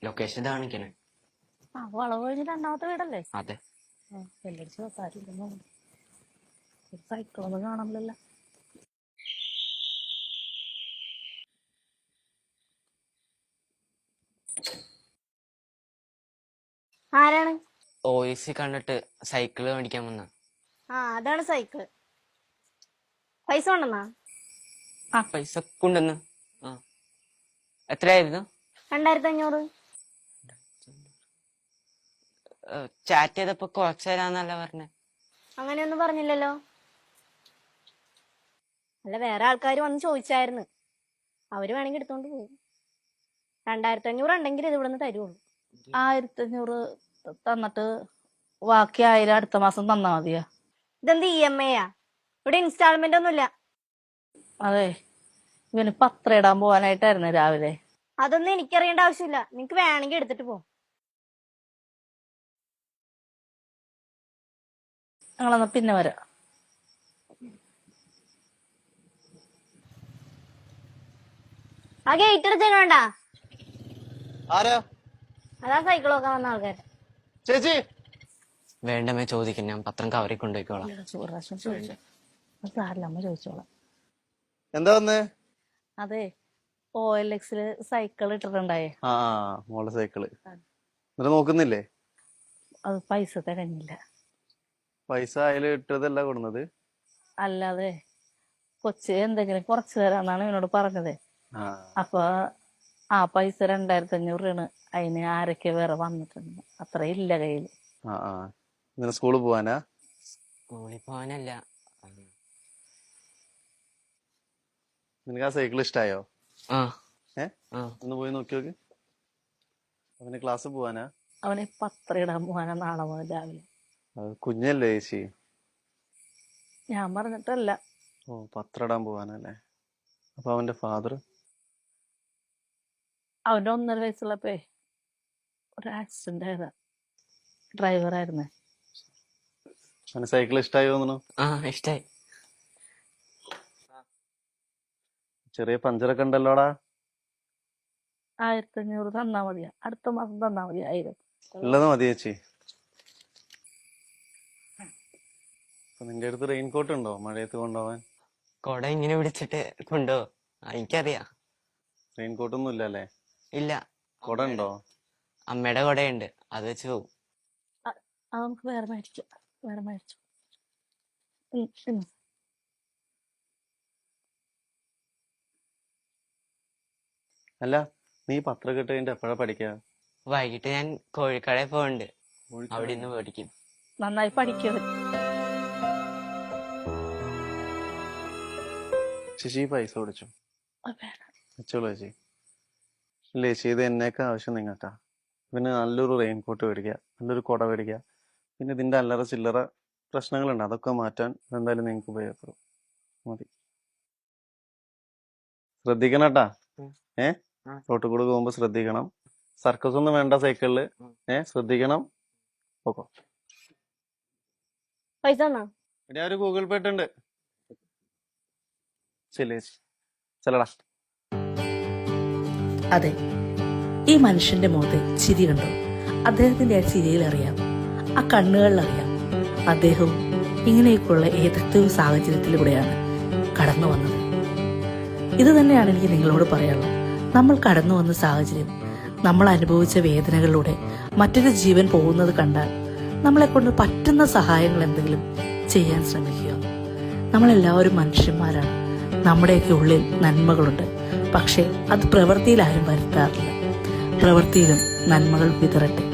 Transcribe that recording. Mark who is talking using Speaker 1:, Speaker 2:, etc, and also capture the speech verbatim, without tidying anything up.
Speaker 1: Location കാണിക്കണേ.
Speaker 2: ആ വളവ് കഴിഞ്ഞ് രണ്ടാമത്തെ വീടല്ലേ?
Speaker 1: അതെ.
Speaker 2: വെല്ലടിച്ച് വെക്കാറില്ലെന്നോ സൈക്കിളൊന്നും കാണാമല്ലോ. ആരാണ്?
Speaker 1: ഓയിസി കണ്ടിട്ട് സൈക്കിള് മേടിക്കാൻ വന്ന.
Speaker 2: ആ അതാണ് സൈക്കിള്. പൈസ കൊണ്ടെന്നാ?
Speaker 1: ആ പൈസ കൊണ്ടുവന്ന്. ആ എത്രയായിരുന്നു?
Speaker 2: രണ്ടായിരത്തി അഞ്ഞൂറ്.
Speaker 1: ചാറ്റ് ചെയ്തപ്പോ കുറച്ച് തരാന്നല്ല പറഞ്ഞേ.
Speaker 2: അങ്ങനെയൊന്നും പറഞ്ഞില്ലല്ലോ. അല്ല വേറെ ആൾക്കാർ വന്ന് ചോദിച്ചായിരുന്നു, അവര് വേണമെങ്കിൽ എടുത്തോണ്ട് പോകും. രണ്ടായിരത്തി അഞ്ഞൂറ് ഉണ്ടെങ്കിൽ ഇത് ഇവിടുന്ന് തരുള്ളൂ. ആയിരത്തി അഞ്ഞൂറ് തന്നിട്ട് ബാക്കി ആയിരം അടുത്ത മാസം തന്നാ മതിയാ. ഇതെന്ത് ഇ എം ഐയാ? ഇവിടെ ഇൻസ്റ്റാൾമെന്റ് ഒന്നുമില്ല. അതെ, ഇവന് പത്രം ഇടാൻ പോവാനായിട്ടായിരുന്നു രാവിലെ. അതൊന്നും എനിക്കറിയേണ്ട ആവശ്യമില്ല, നിങ്ങക്ക് വേണമെങ്കിൽ എടുത്തിട്ട് പോ. ഞങ്ങളെന്നാ പിന്നെ വരാം. ആ ഗേറ്റ് എടുത്തേക്ക് വേണ്ട.
Speaker 3: ആരാ?
Speaker 2: അതാ സൈക്കിൾ നോക്കാൻ വന്ന ആൾക്കാർ.
Speaker 3: ചേച്ചി
Speaker 1: വേണ്ടമേ ചോദിക്കും, ഞാൻ പത്രം കവറി കൊണ്ടുപോയിക്കോളാം.
Speaker 2: അമ്മ ചോദിച്ചോളാം.
Speaker 3: എന്താ വന്നേ?
Speaker 2: അതെ, ഓ എൽ എക്സില് സൈക്കിൾ ഇട്ടിട്ടുണ്ടായേ.
Speaker 3: ആ മോളെ സൈക്കിള് എന്നിട്ട് നോക്കുന്നില്ലേ?
Speaker 2: അത് പൈസ തികഞ്ഞില്ല.
Speaker 3: പൈസ അതിൽ ഇട്ടതല്ല കൊടുന്നത്.
Speaker 2: അല്ലാതെ കൊച്ച് എന്തെങ്കിലും കുറച്ച് തരാന്നാണ് എന്നോട് പറഞ്ഞത്. അപ്പൊ ആ പൈസ രണ്ടായിരത്തി അഞ്ഞൂറ് രൂപയാണ്. അതിന് ആരൊക്കെ വേറെ വന്നിട്ടുണ്ട്, അത്ര ഇല്ല കയ്യില്.
Speaker 3: ആ ആ ഇന്നലെ സ്കൂളിൽ പോവാനാ?
Speaker 1: സ്കൂളിൽ പോവാനല്ല.
Speaker 3: നിനക്ക് ആ സൈക്കിൾ ഇഷ്ടായോ?
Speaker 1: ആ
Speaker 3: ഏ ഒന്ന് പോയി നോക്കി നോക്ക്. അവന് ക്ലാസ് പോവാനാ?
Speaker 2: അവന് പത്രം ഇടാൻ പോവാനാ നാളെ മുതൽ രാവിലെ.
Speaker 3: കുഞ്ഞല്ലേ ചേച്ചി?
Speaker 2: ഞാൻ പറഞ്ഞിട്ടല്ല.
Speaker 3: ഓ പത്രം ഇടാൻ പോവാനല്ലേ. അപ്പൊ അവന്റെ ഫാദർ?
Speaker 2: അവന്റെ ഒന്നര വയസ്സുള്ളപ്പേ ഒരു ആക്സിഡന്റ് ആയതാ. ഡ്രൈവർ ആയിരുന്നേ.
Speaker 3: അവന് സൈക്കിൾ ഇഷ്ടായോ തോന്നുന്നു?
Speaker 1: ആ ഇഷ്ടായി.
Speaker 3: ചെറിയ പഞ്ചറൊക്കെ ഉണ്ടല്ലോടാ.
Speaker 2: ആയിരത്തി അഞ്ഞൂറ് തന്നാ മതിയാ, അടുത്ത മാസം തന്നാ മതി ആയിരം.
Speaker 3: ഉള്ളത് മതി ചേച്ചി. നിന്റെ അടുത്ത് റെയിൻകോട്ട് ഉണ്ടോ മഴയത്ത് കൊണ്ടുപോവാൻ?
Speaker 1: കൊട ഇങ്ങനെ പിടിച്ചിട്ട് കൊണ്ടോ? എനിക്കറിയാം.
Speaker 3: റെയിൻകോട്ട് ഒന്നും ഇല്ലല്ലേ?
Speaker 1: ഇല്ല.
Speaker 3: കൊട ഉണ്ടോ?
Speaker 1: അമ്മയുടെ കൊടയുണ്ട്, അത് വെച്ച് പോവും.
Speaker 2: അത് നമുക്ക് വേറെ മേടിക്കാം. വേറെ മേടിച്ചു.
Speaker 3: അല്ല നീ പത്രം കിട്ട് കഴിഞ്ഞിട്ട് എപ്പോഴാ പഠിക്കാ?
Speaker 1: വൈകിട്ട് ഞാൻ കോഴിക്കടയിൽ പോകണ്ട്, അവിടെ നിന്ന് പഠിക്കും.
Speaker 2: നന്നായി പഠിക്കും.
Speaker 3: ചേച്ചി പൈസ ഓടിച്ചു വെച്ചോളൂ ചേച്ചി. ഇല്ല ചേച്ചി, ഇത് എന്നേക്കാ ആവശ്യം നിങ്ങൾക്കാ. പിന്നെ നല്ലൊരു റെയിൻകോട്ട് മേടിക്കുക, നല്ലൊരു കുട മേടിക്കുക. പിന്നെ ഇതിന്റെ അല്ലറ ചില്ലറ പ്രശ്നങ്ങളുണ്ട്, അതൊക്കെ മാറ്റാൻ എന്തായാലും നിങ്ങൾക്ക് ഉപയോഗപ്പെടും. മതി. ശ്രദ്ധിക്കണം കേട്ടാ. ഏ റോട്ടിൽ കൂടെ പോകുമ്പോ ശ്രദ്ധിക്കണം. സർക്കസ് ഒന്നും വേണ്ട സൈക്കിളില്. ഏ ശ്രദ്ധിക്കണം. ഓക്കോ
Speaker 2: പൈസ
Speaker 3: ഞാൻ ഒരു ഗൂഗിൾ പേ ഇട്ടുണ്ട്. ശരി ചേച്ചി, ചെല്ലടാ.
Speaker 4: അതെ, ഈ മനുഷ്യന്റെ മുഖത്ത് ചിരി കണ്ടോ? അദ്ദേഹത്തിന്റെ ആ ചിരിയിൽ അറിയാം, ആ കണ്ണുകളിൽ അറിയാം, അദ്ദേഹവും ഇങ്ങനെയൊക്കെയുള്ള ഏതൊക്കെ സാഹചര്യത്തിലൂടെയാണ് കടന്നു വന്നത്. ഇത് തന്നെയാണ് എനിക്ക് നിങ്ങളോട് പറയാനുള്ളത്. നമ്മൾ കടന്നു വന്ന സാഹചര്യം, നമ്മൾ അനുഭവിച്ച വേദനകളിലൂടെ മറ്റൊരു ജീവൻ പോകുന്നത് കണ്ടാൽ നമ്മളെ കൊണ്ട് പറ്റുന്ന സഹായങ്ങൾ എന്തെങ്കിലും ചെയ്യാൻ ശ്രമിക്കുക. നമ്മളെല്ലാവരും മനുഷ്യന്മാരാണ്. നമ്മുടെയൊക്കെ ഉള്ളിൽ നന്മകളുണ്ട്, പക്ഷേ അത് പ്രവൃത്തിയിൽ ആരും വരുത്താറില്ല. പ്രവൃത്തിയിലും നന്മകൾ വിതറട്ടെ.